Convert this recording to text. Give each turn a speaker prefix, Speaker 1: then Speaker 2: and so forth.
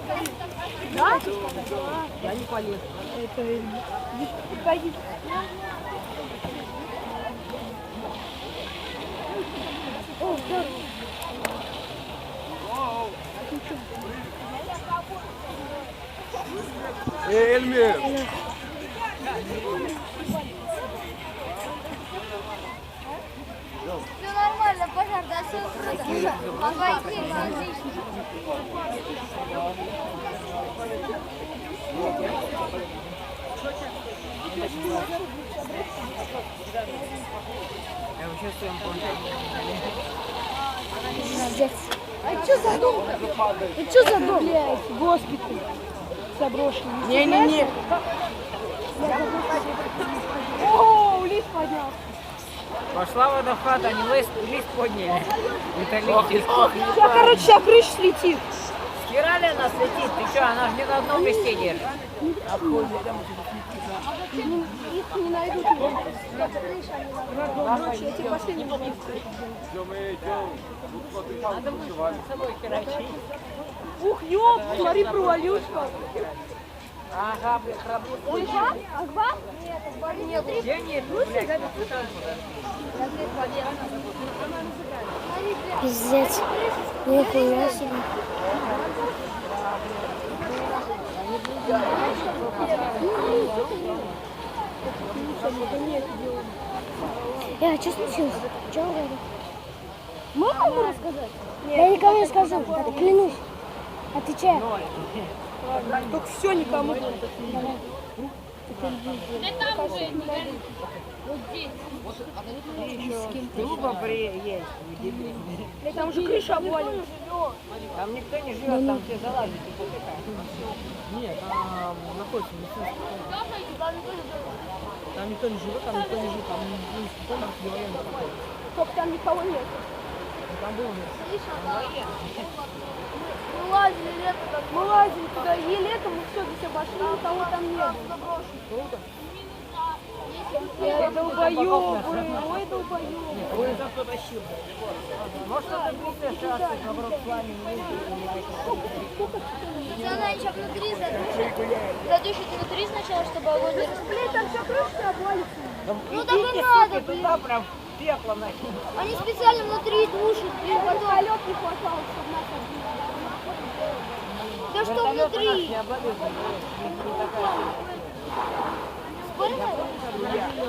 Speaker 1: Да?
Speaker 2: Я не полез.
Speaker 1: Это... Пойди. О, да.
Speaker 3: Эльмир!
Speaker 4: Все нормально, пожар, да, все круто. Обойти, отлично.
Speaker 2: Я вообще в своем планшете.
Speaker 1: Молодец. А что за дом? А что за дом? Блядь, госпиталь заброшенный.
Speaker 2: Не-не-не.
Speaker 1: О, лист поднялся.
Speaker 2: Пошла вода в хату, они лист подняли. Металлический.
Speaker 1: Вся крыша слетит.
Speaker 2: Херали она слетит, ты что, она же не на одном месте держит.
Speaker 1: Их не найдут. Ночью эти последние
Speaker 2: Надо будет с собой херачить.
Speaker 1: Ух, ёп, смотри, провалился.
Speaker 2: Ага, блядь, работает.
Speaker 1: Акбар?
Speaker 4: Нет, Акбар нет.
Speaker 2: Где нет, блядь?
Speaker 5: Пиздец. Нихуя себе. А что случилось? Что он говорит? Можно ему рассказать? Я никому не скажу, клянусь. Отвечаю.
Speaker 1: Только все никому.
Speaker 2: Труба есть.
Speaker 1: Там уже крыша обвалилась.
Speaker 2: Там никто не живет, там все залазят и потыкают.
Speaker 6: Нет, там находится медицинский центр. Там никто не живет, там никто не живет, там медицинский центр, где военный проходит.
Speaker 1: Только там никого нет.
Speaker 6: Там было
Speaker 1: Мы лазили туда, и летом мы все здесь обошли, никого там нет. Ой, долбоёбы, ой, долбоёбы.
Speaker 2: Ой, за кто тащил? Может, это глупая шашка, наоборот, с вами не
Speaker 4: Она еще внутри задушит внутри сначала, чтобы огонь не распылился.
Speaker 1: Блин, там вся крыша обвалится.
Speaker 4: Ну так и надо, блин.
Speaker 2: Туда прям пекло нахер.
Speaker 4: Они специально внутри душат, блин, потом.
Speaker 1: Вертолет не хватало, чтобы нас отбили.
Speaker 4: Да что внутри?
Speaker 2: Не обладает.
Speaker 4: Спорим?